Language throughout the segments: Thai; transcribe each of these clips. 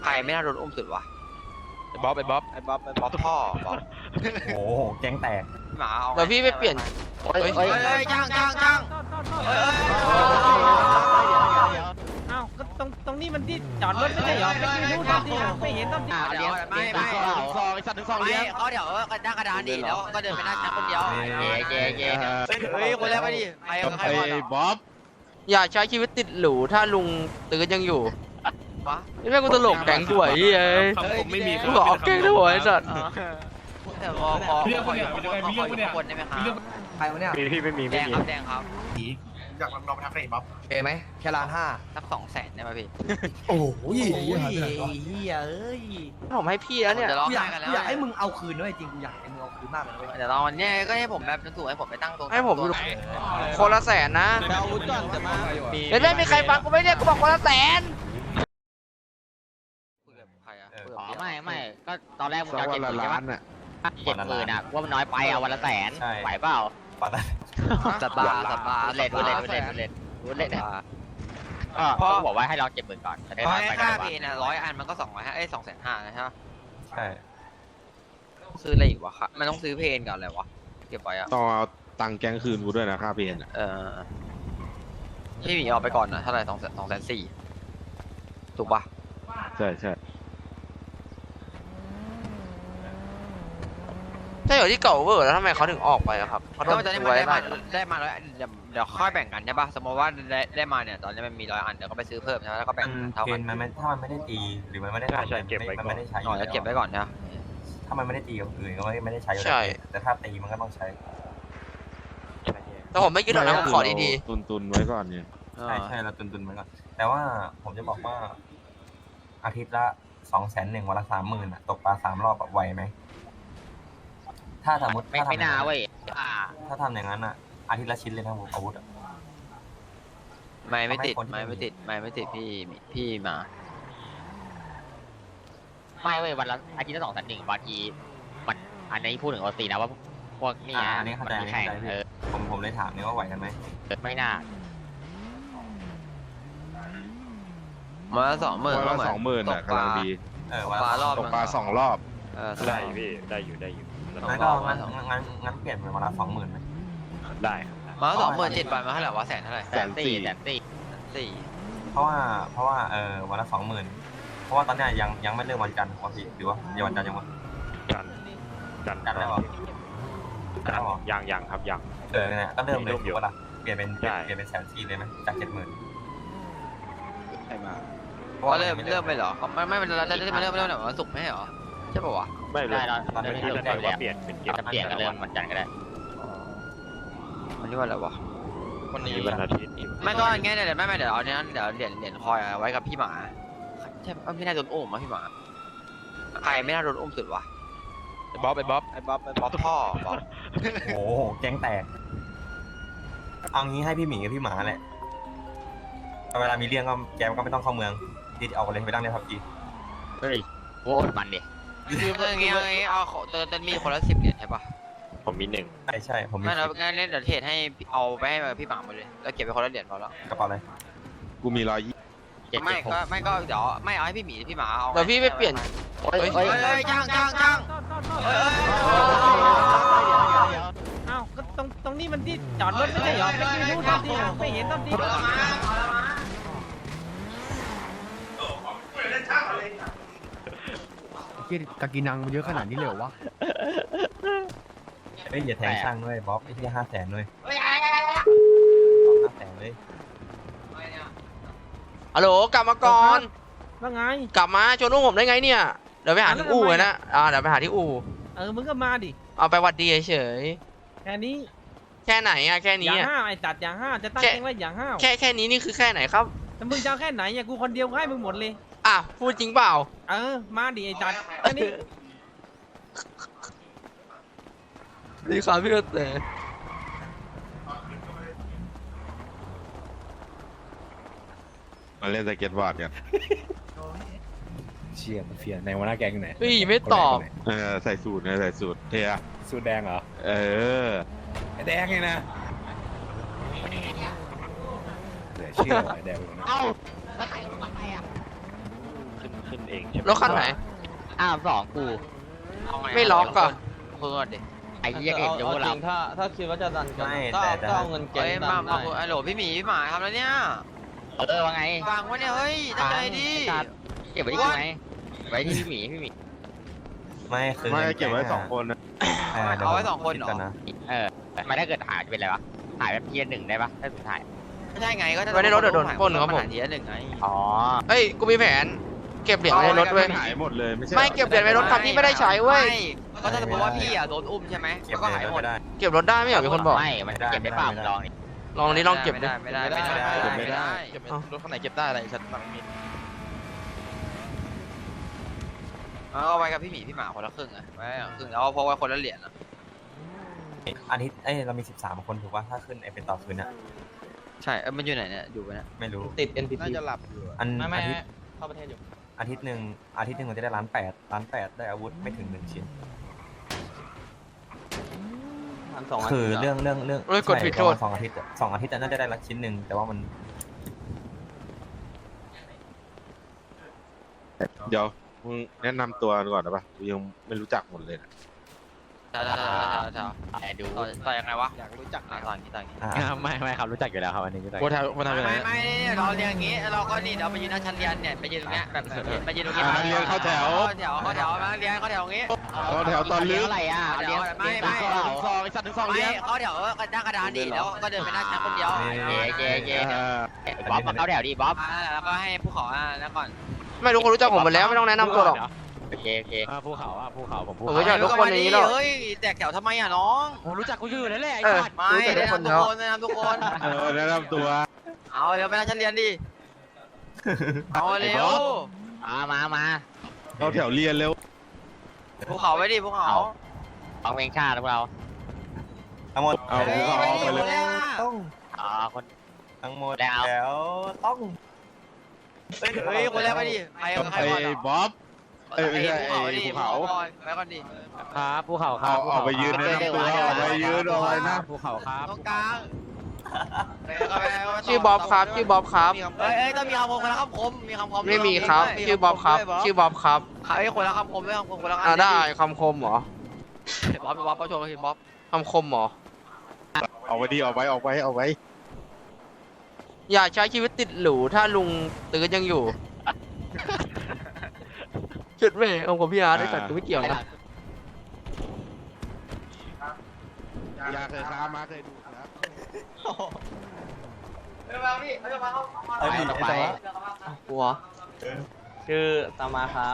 รไม่น่าโดนอุ้มสุดวะไอ้บ๊อบพ่อบอกโอ้โหแก๊งแตกหมาเอาเดี๋ยวพี่ไปเปลี่ยนเฮ้ยจ้างอ้าวก็ตรงนี้มันที่จอดรถไม่ใช่เหรอไม่รู้ตอนที่ไม่เห็นตอนที่เดี๋ยวไม่ซองไอ้สัตว์ถึงซองเลี้ยงเขาเดี๋ยวก็นั่งกระดานดิแล้วก็เดินไปนั่งคนเดียวเย่เฮ้ยคนแรกไปดิใครก่อนไอ้บ๊อบอย่าใช้ชีวิตติดหรูถ้าลุงตื่นยังอยู่วะนี่แม่งกูตลกแก๊งด้วยไอ้ไม่มีกูบอกเอาแก๊งด้วยไอ้สัตว์แต่พออยู่คนได้ไหมครับใครวะเนี่ยพี่ไม่มีแดงครับแดงครับอยากลองไปทำเฟรมบ๊อบเอไหมแค่ล้านห้าสัก200,000ได้ไหมพี่โอ้โหเฮียเอ้ยผมให้พี่แล้วเนี่ยจะร้องกูอยาไห้กกันแล้วกูอยากให้มึงเอาคืนด้วยจริงกูอยากให้มึงเอาคืนมากเลยเว้ยเดี๋ยวตอนนี้ก็ให้ผมแบบถูกให้ผมไปตั้งตรงให้ผมคนละแสนนะดาวุธก่อนจะมาเดี๋ยวไม่มีใครฟังกูไม่เนี่ยกูบอกคนละแสนใครอะอ๋อไม่ก็ตอนแรกมึงจะเอา70,000ใช่ปะ70,000อ่ะว่ามันน้อยไปเอาวันละแสนไหวเปล่าปัดสบาเล่นก็บอกว่าให้เรา70,000ก่อนจะได้เพราะน้อยไปค่ากันเพนอ่ะ100 อันมันก็250,000นะใช่ปะใช่ซื้ออะไรอีกวะครับมันต้องซื้อเพนก่อนเลยวะเก็บไว้อะต้องเอาตังค์แก๊งคืนกูด้วยนะค่าเพนพี่หมีเอาไปก่อนนะเท่าไหร่204,000ถูกปะใช่ถ้าอยู่ที่เก่าเวอร์แล้วทำไมเขาถึงออกไปอะครับเขาโดก็นมันจะได้ตัวมาได้ได้มาร้อยเดี๋ยวค่อยแบ่งกันใช่ปะสมมติว่าได้มาเนี่ยตอนนี้มันมี100 อันเดี๋ยวก็ไปซื้อเพิ่มใช่ไหมแล้วก็แบ่งเท่าเกกันณฑ์มันไม่ถ้ามันไม่ได้ตีหรือมันไม่ได้ทำมันไม่ได้ใช้หน่อยแล้วเก็บไว้ก่อนนะถ้ามันไม่ได้ตีกับอื่นก็ไม่ได้ใช้อยู่แล้วใช่แต่ถ้าตีมันก็ต้องใช้แต่ผมไม่ยึดหรอกนะผมขอดีตุนไว้ก่อนเนี่ยใช่เราตุนๆไว้ก่อนแต่ว่าผมจะบอกว่า อาทิตย์ละ200,000วันละ30,000อ่ะตกปลา3 รอบไหวไหมถ้าสมมติไม่น่าเว้ยถ้าทำอย่างนั้นอ่ะอาทิตย์ละชิ้นเลยนะผมอาวุธอ่ะไม่ติดพี่มาไม่เว้ยวันละอาทิตย์ละ200,000บางทีมันอันนี้พูดถึงปกตินะว่าพวกนี่อันนี้เข้าใจแข่งเออผมเลยถามนี่ว่าไหวกันไหมไม่น่ามาละ20,000 วันละ20,000น่ะกำลังดีวันปลารอบตกปลา2 รอบได้ได้อยู่งั้นก็งั้นเปลี่ยนเป็นวันละ20,000ไหมได้มาละ20,0007 วันมาเท่าไหร่วะแสนเท่าไหร่เพราะว่าวันละ20,000เพราะว่าตอนเนี้ยยังไม่เริ่มวันจันทร์ปกติหรือว่ายังวันจันทร์ยังวะจันจันทร์แล้วเหรอยังครับยังเนี่ยก็เริ่มเลยมีรูปอยู่ว่าล่ะเปลี่ยนเป็น140,000เลยไหมจาก70,000 ใช่มาว่าเริ่มไปเหรอไม่เราจะเริ่มวันศุกร์ไม่ใช่เหรอใช่ป่าวะไม่เลยได้เราตอนนี้ไม่รู้แต่ได้ว่าแล้วเปลี่ยนเป็นเกมจะเปลี่ยนกันเรื่องวันจันทร์ก็ได้วันนี้วันอะไรวะวันนี้วันอาทิตย์ไม่ก็อย่างเงี้ยเดี๋ยวไม่เดี๋ยวเอาเนี้ยเดี๋ยวเหรียญคอยไว้กับพี่หมาใช่ไม่น่าโดนอุ้มอ่ะพี่หมาใครไม่น่าโดนอุ้มสุดวะไอ้บ๊อบพ่อบอกโอ้โหแก๊งแตกเอางี้ให้พี่หมีกับพี่หมาแหละเวลามีเรื่องก็แกก็ไม่ต้องเข้าเมืองดิเอากันเลยไปตั้งในพับจีเฮ้ยโว้มันดิคืออย่างเงี้ยเอาจะมีคนละ10 เหรียญใช่ปะผมมี1 ใช่ผมมีไม่แล้วงั้นเดี๋ยวเทรดให้เอาไปให้พี่หมาหมดเลยแล้วเก็บไปคนละเหรียญพอแล้วกระเป๋าอะไรกูมี120 ไม่ก็เดี๋ยวไม่เอาให้พี่หมีพี่หมาเอาๆเดี๋ยวพี่ไปเปลี่ยนจ้างอ้าวก็ตรงนี้มันที่จอดรถไม่ใช่เหรอไม่รู้ตอนที่ไม่เห็นตอนที่กากินังมันเยอะขนาดนี้เลยเหรอวะเฮ้ยอย่าแทงช่างด้วยบ๊อบไอ้ที่500,000ด้วย500,000เลยฮัลโหลกลับมาก่อนว่าไงกลับมาชวนลูกผมได้ไงเนี่ย เดี๋ยวไปหาที่อู่เลยนะเดี๋ยวไปหาที่อู่มึงก็มาดิเอาไปหวัดดีเฉยแค่นี้ๆแค่ไหนอะแค่อนี้ย่างอะห้าวไอ้จัดอย่างห้าวจะตั้งแค่เองว่าอย่างห้าวแค่นี้นี่คือแค่ไหนครับแต่มึงจะเอาแค่ไหนเนี่ยกูคนเดียวให้มึงหมดเลยอ่ะพูดจริงเปล่ามาดิไอ้จัดแค่นี้ดีครับพี่เต๋มาเล่นสเก็ตบอร์ดกันเชี่ยมันเฟียในหัวหน้าแก๊งไหนพี่ไม่ตอบใส่สูตรเทียสูตรแดงเหรอ ไอ้แดงไงนะเหลือเชื่อไอ้แดงเลยนะเอ้าแล้วใครลงมาไปอ่ะขึ้นเองใช่ไหมรถคันไหนอ้าวสองกูเอางไม่ล็อกอะเพิ่งก่อนดิไอ้เหี้ยเห็นจะพวกเราถ้าคิดว่าจะดันกันไม่ก็แต่เอาเงินเก็บเอ้ยมาไอ้โหลพี่หมีพี่หมาทำแล้วเนี่ยว่าไงฟังวะเนี่ยเฮ้ยตั้งใจดิเก็บไว้ที่กูไหมไว้ที่พี่หมีพี่หมีไม่คือไม่เก็บไว้สองคนนะเอาไว้สองคนเหรอดก่นะไม่ถ้าเกิดหายจะเป็นอะไรวะหายแบบเทียร์หนึ่งได้ปะถ้าสุดท้ายไม่ใช่ไงก็ถ้าไว้ในรถเดี๋ยวโดนปล้นครับผมหาทีละหนึ่งไงอ๋อเฮ้ยกูมีแผน เก็บเหรียญไว้ในรถเว้ยหายหมดเลยไม่ใช่ไม่เก็บเหรียญไว้รถคันที่ไม่ได้ใช้เว้ยไม่ก็ถ้าสมมติว่าพี่อ่ะโดนอุ้มใช่ไหมเก็บก็ไว้หายหมดก็ได้เก็บรถได้ไม่เหรอมีคนบอกไม่มันเก็บได้เปล่ามึงลองดิลองนี้ลองเก็บดิไม่ได้ไม่ได้ไม่ได้เก็บรถคันไหนเก็บได้อะไรฉันฟังมีเอาไว้กับพี่หมีพี่หมาคนละครึ่งอ่ะไว้ครึ่งแล้วพกไว้คนละเหรียญอ่ะอาทิตย์เรามี13 คนถูกป่ะถ้าขึ้นไอเป็นต่อคืนอะใช่มันอยู่ไหนเนี่ยอยู่ไปนะไม่รู้ติด NPT น่าจะหลับอยู่อันไม่อาทิตย์เข้าประเทศอยู่อาทิตย์หนึ่งเราจะได้1,800,000ได้อาวุธไม่ถึง1 ชิ้น 1,200 คือเรื่องเฮ้ยกดผิดโทษ 2 อาทิตย์อะ2 อาทิตย์อะน่าจะได้ละชิ้นหนึ่งแต่ว่ามันเดี๋ยวมึงแนะนำตัวก่อนนะปะกูยังไม่รู้จักหมดเลยนะต่อดูต่อยังไงวะอยากรู้จักต่ออย่างนี้ต่ออย่างนี้ไม่ครับรู้จักอยู่แล้วครับอันนี้รู้จักโคทำยังไงไม่เราเรียนอย่างนี้เราก็นี่เดี๋ยวไปยืนหน้าชั้นเรียนเนี่ยไปยืนตรงเนี้ยแบบไปยืนตรงนี้เรียนเข้าแถวเข้าแถวมาเรียนเข้าแถวตรงนี้เข้าแถวตอนลึกอะไรอ่ะเดี๋ยวไม่ซองไอ้สัตว์ถึงซองไม่เลี้ยงเข้าแถวก็นั่งกระดานดิแล้วก็เดินไปหน้าชั้นคนเดียวบ๊อบมาเข้าแถวดิบ๊อบแล้วก็ให้ผู้ขอแล้วก่อนไม่รู้คนรู้จักผมหมดแล้วไม่ต้องแนะนำตัวหรอกโอเคโอเคภูเขาผมภูผมเขารู้จักทุกคนอย่างนี้หรอกเฮ้ยแตกแถวทำไมอ่ะน้องผมรู้จักกูอยู่นั่นแหละไอ้เออสัตว์ไม่รู้จักทุกคนแล้วแนะนำทุกคนแนะนำตัวเอาเดี๋ยวไปหน้าชั้นเรียนดิเอาเร็วมาเข้าแถวเรียนเร็วภูเขาไว้ดิภูเขาฟังเพลงชาติพวกเราทั้งหมดเอาภูเขาไปเลยต้องอ๋อคนทั้งหมดแล้วแล้วต้องเฮ้ยคนแรกไปดิใครก่อนไอ้บ๊อบเอ้ยไม่ใช่ไอ้ภูเขาไปก่อนดิครับภูเขาครับเอาไปยืนแนะนำตัวเอาไปยืนเอาไว้นะภูเขาครับตรงกลางชื่อบ๊อบครับชื่อบ๊อบครับเอ้ยต้องมีคำคมคนละคำคมมีคำคมไม่มีครับชื่อบ๊อบครับชื่อบ๊อบครับใครคนละคำคมไม่คำคมคนละได้คำคมเหรอบ๊อบเขาโชว์เห็นบ๊อบคำคมเหรอเอาไว้ดิเอาไว้อย่าใช้ชีวิตติดหรูถ้าลุงตื้อยังอยู่จุดเว่ของผมพี่อาร์ตได้สัตว์กูไม่เกี่ยวนะอยากเคยค้ามาเคยดูนะต่อไปหัวชื่อตามาครับ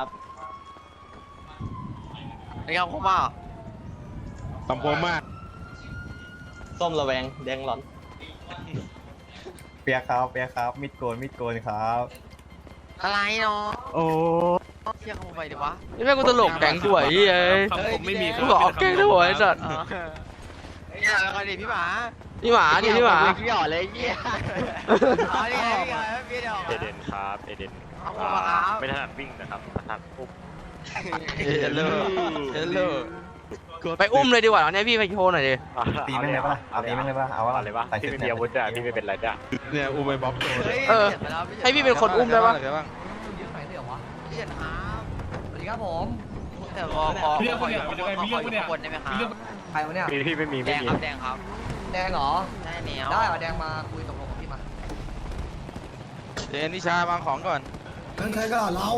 มีคำคมป่ะคำผมมากส้มระแวงแดงหลอนเปียกครับมิดโกนครับอะไรเนาะโอ้เที่ยงคำไปดิวะนี่แม่งกูตลกแก๊งด้วยไอ้เอ้ยผมไม่มีกูบอกเอาแก๊งด้วยไอ้สัตว์แล้วก็ดิพี่หมาพี่หมาดิพี่หมาพี่อ๋อเลยเยี่ยอ๋อนี่ไงพี่เดียวเอเดนครับเอเดนเอาคมมาครับไม่ถนัดวิ่งนะครับถนัดอุ้มเฮลโลไปอุ้มเลยดีกว่าเนี่ยพี่ไปโชว์หน่อยดิตีแม่งเลยปะล่ะเอาตีแม่งเลยปะล่ะเอาวะอะไรวะใส่พี่ชุดไม่มีอาวุธอ่ะพี่ไม่เป็นไรจ้ะเนี่ยอูไปบ๊อบโชว์ให้พี่เป็นคนอุ้มได้ปะพี่เดียวครับสวัสดีครับผมแต่ขออยู่ข้างบนได้ไหมครับใครวะเนี่ยพี่ไม่มีแดไม่งมีครับแดงครับแดงเหรอได้เหนียวได้เหรอแดงมาคุยตกลงกับพี่มาเจนนิชาวางของก่อนนั่นใครก็เรา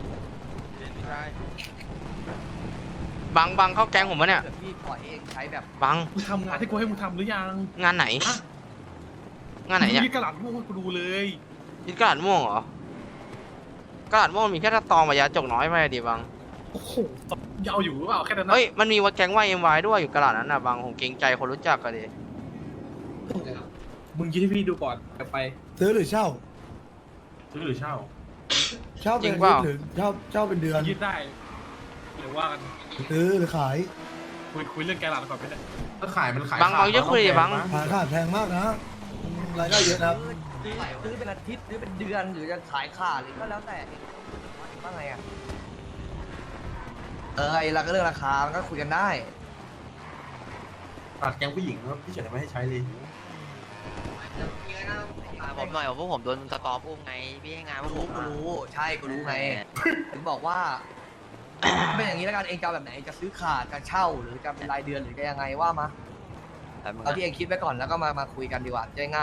บังเข้าแก๊งผมปะเนี่ยเดี๋ยวพี่ปล่อยเองใช้แบบบังมึงทำงานที่กูให้มึงทำหรือยังงานไหน งานไหนเนี่ยกระหลัดม่วงให้กูดูเลยยึดกระดาษม่วงเหรอกระดาษม่วงมีแค่ตะตองกับยาจกน้อยไปดิบังโอ้โหยาวอยู่หรือเปล่าแค่นั้นนะเฮ้ยมันมีวัดแก๊งว่ายเอ็มวายด้วยอยู่กระดาษนั้นน่ะบังผมเกรงใจคนรู้จักกันดิมึงยืดให้พี่ดูก่อนจะไปซื้อหรือเช่าซื้อหรือเช่าเช่าเป็นอาทิตย์หรือเช่าเป็นเดือนยืดได้หรือว่ากันซื้อหรือขายคุยเรื่องแกหลัดก่อนไปเลยถ้าขายมันขายบังเยอะคุยดิบังขายขาดแพงมากนะรายได้เยอะนะครับซื้อเป็นอาทิตย์ซื้อเป็นเดือนหรือจะขายขาดหรือก็แล้วแต่ว่าไงอ่ะไอ้เรื่องราคามันก็คุยกันได้ตัดแกงผู้หญิงพี่เฉยไม่ให้ใช้เลยผมผมหน่อยพวกผมโดนสตอมอุ้มไงพี่ให้งานพวกผมกูรู้ใช่กูรู้ไงถึงบอกว่า เป็นอย่างนี้แล้วกันเองจะเอาแบบไหนจะซื้อขาดจะเช่าหรือจะเป็นรายเดือนหรือจะยังไงว่ามาเอาที่เองคิดไว้ก่อนแล้วก็มาคุยกันดีกว่าจะง่าย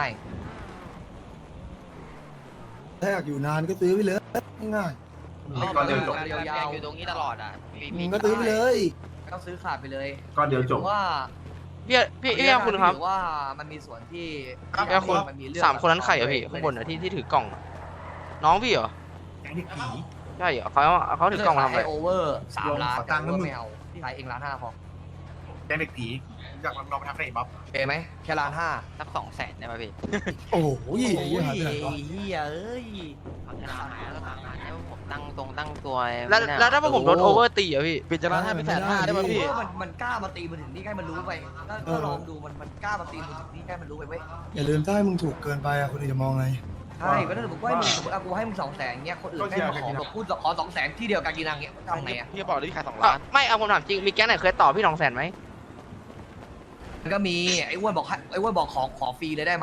ถ้าอยากอยู่นานก็ซื้อไปเลยง่ายก็เดี๋ยวจบยาวอยู่ตรงนี้ตลอดอ่ะมึงก็ซื้อไปเลยต้องซื้อขาดไปเลยก็เดี๋ยวจบว่าพี่คุณครับถือว่ามันมีส่วนที่พี่คุณมันมีเรื่อง 3 คนนั้นใครอะพี่ข้างบนอะที่ถือกล่องอะน้องพี่เหรอใช่เหรอเขาถือกล่องมาทำอะไรโอเวอร์3 ล้านตังค์ไม่เอาที่ขายเอง1.5 ล้านพอแกงเด็กผีอยากลองไปทำอะไรบ๊อบโอเคไหมแค่1.5 ล้านสัก200,000ได้ไหมพี่โอ้โหโอ้ยหายไปไหนวะเฮียเอ้ยเอาชนะหายแล้วผมตั้งตัวแล้วถ้าพวกผมโดนโอเวอร์ตีอะพี่ปิดจราจรเป็น150,000ได้ป่ะพี่มันกล้ามาตีมือถึงนี่ให้มันรู้ไปก็ลองดูมันกล้ามาตีมือถึงนี่ให้มันรู้ไปเว้ยอย่าลืมถ้าให้มึงถูกเกินไปอะคนอื่นจะมองไงใช่ก็ถ้าสมมติว่าให้มึงสมมติกูให้มึง200,000เงี้ยคนอื่นให้มาขอแบบพูดขอ200,000ที่เดียวกันกีนังเงี้ยทำไงอ่ะพี่บอกได้ขาย2 ล้านไม่เอาผมถามจริงมีแก๊งไหนเคยต่อพี่200,000ไหมมันก็มีไอ้อ้วนบอกไอ้อ้วนบอกขอฟรีเลยได้ไหม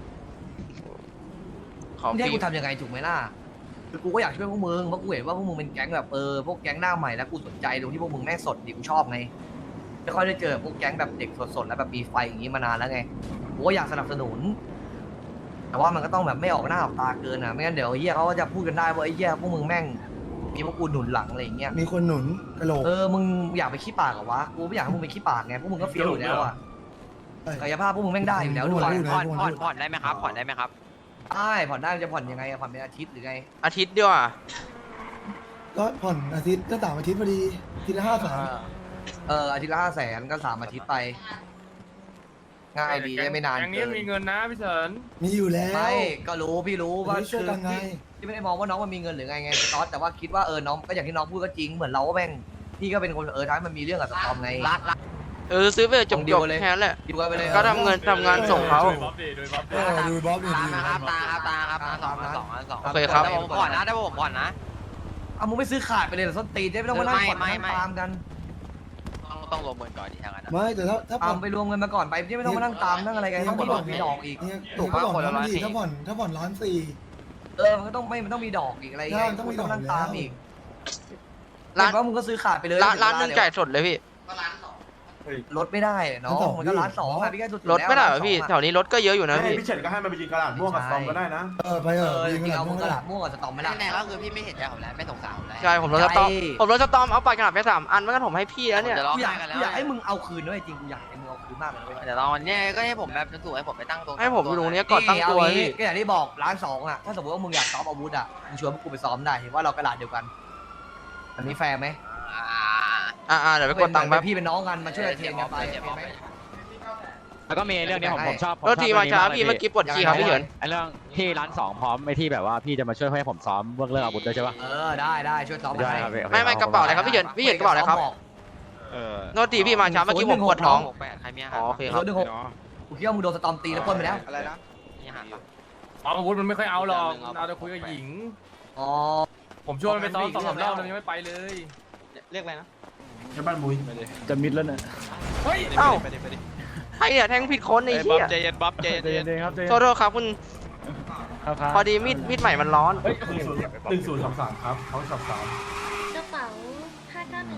ขอไม่ฟได้รีกูทำยังไงถูกไหมล่ะคือกูก็อยากช่วยพวกมึงเพราะกูเห็นว่าพวกมึงเป็นแก๊งแบบพวกแก๊งหน้าใหม่แล้วกูสนใจตรงที่พวกมึงแม่งสดดิกูชอบไงไม่ค่อยได้เจอพวกแก๊งแบบเด็กสดๆแล้วแบบมีไฟอย่างนี้มานานแล้วไงกูก็อยากสนับสนุน แต่ว่ามันก็ต้องแบบไม่ออกหน้าออกตาเกินอ่ะไม่งั้นเดี๋ยวไอ้เหี้ยเขาก็จะพูดกันได้ว่าไอ้เหี้ยพวกมึงแม่งมีพวกกูหนุนหลังอะไรอย่างเงี้ยมีคนหนุนกระโหลกมึงอยากไปขี้ปากเหรอวะกูไม่อยากให้มึงไปขี้ปากไงพวกมึงก็เฟี้ยวอยู่แล้วอ่ะกายภาพพวกมึงแม่งได้อยู่แล้วด้วยผ่อนได้ไหมครับผ่อนได้ไหมครับได้ผ่อนได้จะผ่อนยังไงผ่อนเป็นอาทิตย์หรือไงอาทิตย์เดียวอะก็ผ่อนอาทิตย์ก็3 อาทิตย์พอดีทีละ500,000 อาทิตย์ละ500,000ก็3 อาทิตย์ไปง่ายดีไม่นานอย่างนี้มีเงินนะพี่เฉินมีอยู่แล้วไม่ก็รู้พี่รู้ว่าช่วยกันไงพี่ไม่ได้มองว่าน้องมันมีเงินหรือไงสตอสแต่ว่าคิดว่าน้องก็อย่างที่น้องพูดก็จริงเหมือนเราก็แม่งพี่ก็เป็นคนท้ายมันมีเรื่องกับสตอมไงซื้อไปจบเดียวเลยแค่นั้นแหละดีกว่าไปเลยก็ทำงานส่งเขาดูบ๊อบดูตาดีครับตาครับ2 โอเคครับแต่ผมผ่อนนะได้ผมผ่อนนะเอามึงไม่ซื้อขาดไปเลยเหรอส้นตีนได้ไม่ต้องมานั่งผ่อนไม่นั่งตามกันต้องรวมเงินก่อนดีทางนั้นนะไม่แต่ถ้าผ่เอาอนไปรวมเงินมาก่อนไปไม่ต้องมานั่งตามนั่งอะไรกันต้องมีดอกมีดอกอีกเนี่ยถูกปะถ้าผ่อนคนละ 1,400,000 140,000 ถ้าผ่อน1,400,000 มันก็ต้องมันต้องมีดอกอีกอะไรใช่เงี้ยต้องมีดอกนั่งตามอีกร้านเห็นว่ามึงก็ซื้อขาดไปเลยร้านหนึงจ่ายสดเลยพี่ลดไม่ได้น้องมันก็1.2 ล้านอ่ะพี่แค่สุดๆรถไม่ได้เหรอแล้วพี่ 1.2 แถวนี้รถก็เยอะอยู่นะพี่พี่เฉินก็ให้มันไปยิงกระดาษม่วงกับซอมก็ได้นะไปจริงยิงๆเอาพมึวงกกระนั้นดาษม่วงกับสตอมไม่ได้แน่ๆก็คือพี่ไม่เห็นใจผมแล้วไม่สงสารผมแล้วใช่ผมรถสตอมเอาไปกระดาษไป3 อันไม่งั้นผมให้พี่แล้วเนี่ยจะร้องกูอยาไห้กกันแล้วกูอยากให้มึงเอาคืนด้วยจริงกูอยากให้มึงเอาคืนมากเลยเว้ยเดี๋ยวลองวันนี้ก็ให้ผมแบบสูให้ผมไปตั้งตัวให้ผมอยู่ตรงนี้ก่อนตั้งตัวเอางี้พี่ก็อย่างที่บอก1.2 ล้านอ่ะถ้าสมมติว่ามึงอยากซ้อมอาวุธอ่ะมึงชวนพวกกูไปซ้อมได้เห็นว่าเรากระดาษเดียวกันอันนี้แฟร์ไหมเดี๋ยวไปกดตังค์แป๊บพี่เป็นน้องกันมาช่วยเทรนกันไปโอเคไหมแล้วก็มีเรื่องนี้ผมชอบรถทีมาช้าพี่เมื่อกี้ปวดขี้ครับพี่เฉินไอ้เรื่องที่ร้าน2พร้อมไอ้ที่แบบว่าพี่จะมาช่วยให้ผมซ้อมเรื่องอาวุธด้วยใช่ปะได้ช่วยซ้อมได้ให้ครับไม่กระเป๋าอะไรครับพี่เฉินกระเป๋าอะไรครับโทษทีพี่มาช้าเมื่อกี้ผมปวดท้องใครมีอาอ๋หารอโอเคครับกูคิดว่ามึงโดนสตอมตีแล้วปล้นไปแล้วอะไรนะมีอาหารปะซ้อมอาวุธมันไม่ค่อยเอาหรอกเอาแต่คุยกับหญิงอ๋อผมชวนมันไปซ้อม2-3 รอบมันยังไม่ไปเลยเรียกอะไรนะใช่บ้านมุ้ยจะมิดแล้วเนี่ยเฮ้ยเอ้าไปดิไอ้เนี่ยแทงผิดคนไอ้บ๊อเหี้บยใจเย็นบ๊อบใจเย็นเย็นครับโทษครับคุณพอดีมีดใหม่มันร้อนเฮ้ย1033ครับเขา33 กระเป๋า591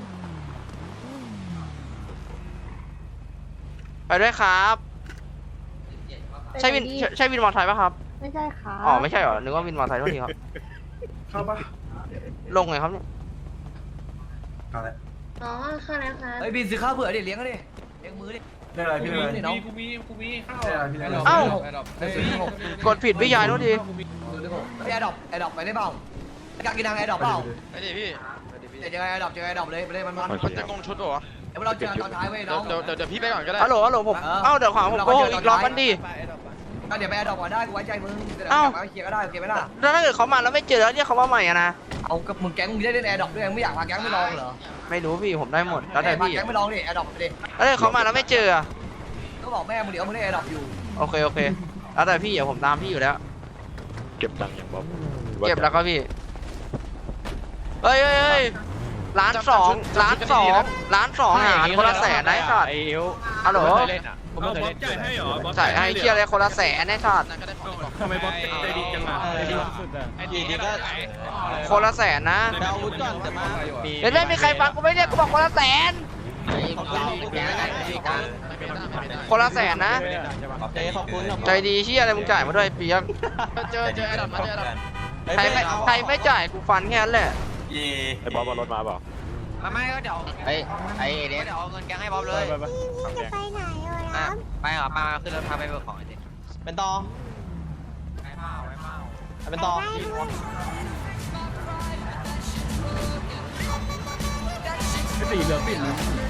ไปด้วยครับ ใช่วินมอเตอร์ไซค์ป่ะครับไม่ใช่ค่ะอ๋อไม่ใช่เหรอนึกว่าวินมอเตอร์ไซค์โทษทีครับเข้าปะลงไงครับเนี่ยเข้าแล้วอ๋อเข้าแล้วค่ะเฮ้ยบินซื้อข้าวเผื่อดิเลี้ยงก็ดิเลี้ยงมือดิได้อะไรพี่ได้อะไรนี่น้องกูมีข้าวได้อะไรพี่ได้อะไรเอ้าได้ซื้อที่6 กดผิดพี่ยายโทษทีซื้อที่6พี่แอร์ดรอปไปได้เปล่าอยากกินทางแอร์ดรอปเปล่าไปดิพี่เดี๋ยวเจอแอร์ดรอปเลยไปเลยมันมันจะกงชุดเหรอเดี๋ยวเราเจอตอนท้ายเว้ยน้องเดี๋ยวพี่ไปก่อนก็ได้ฮัลโหลผมเอ้าเดี๋ยวขวางผมโกหกอีกรอบกันดิก็เดี๋ยวไปแอร์ดรอปก่อนได้กูไว้ใจมึงเดี๋ยวเอ้ากลับมาเคลียร์ก็ได้โอเคไหมล่ะแล้วถ้าเกิดเขามาแล้วไม่เจอแล้วเรียกเขาว่าใหม่อะนะเอากับมึงแก๊งมึงได้เล่นแอร์ดรอปด้วยไม่อยากพาแก๊งไปลองเหรอไม่รู้พี่ผมได้หมดแล้วแต่พาพี่แก๊งไปลองดิแอร์ดรอปไปดิแล้วถ้าเขามาแล้วไม่เจออะก็บอกแม่มึงเดี๋ยวมึงเล่นแอร์ดรอปอยู่โอเคแล้วแต่พี่เดี๋ยวผมตามพี่อยู่แล้วเก็บตังค์อย่างบ๊อบเก็บแล้วก็พี่เฮ้ย1.2 ล้านหารคนละ100,000ได้สัตว์ไอ้เอวฮัลโหลเล่นอ่ะผมไม่เคยเล่นจ่ายให้เหรอจ่ายให้เคลียร์เลยคนละ100,000ได้สัตว์นั่นก็ได้ของทำไมบอสใจดีจังอ่ะใจดีสุดอ่ะไอ้ดีนี่ก็คนละแสนนะเอาอาวุธก่อนจะมาเดี๋ยวไม่มีใครฟังกูไม่เรียกกูบอกคนละแสน คนละแสนนะขอบคุณใจดีเชี่ยอะไรมึงจ่ายมาด้วยเปียกเจอไอ้ดอทมาเจอใครไม่จ่ายกูฟันแค่นั้นแหละเย่ไอ้บอสบอลรถมาเปล่าไม่ก็เดี๋ยวไอ้เดนเดี๋ยวเอาเงินแกงให้บ๊อบเลยจะไปไหนเลยอ่ะไปเหรอมาขึ้นรถพาไปเบิกของไอ้ดิเป็นต่อไปเมาไปเมาเป็นต่อสีเหลืองปิดเลย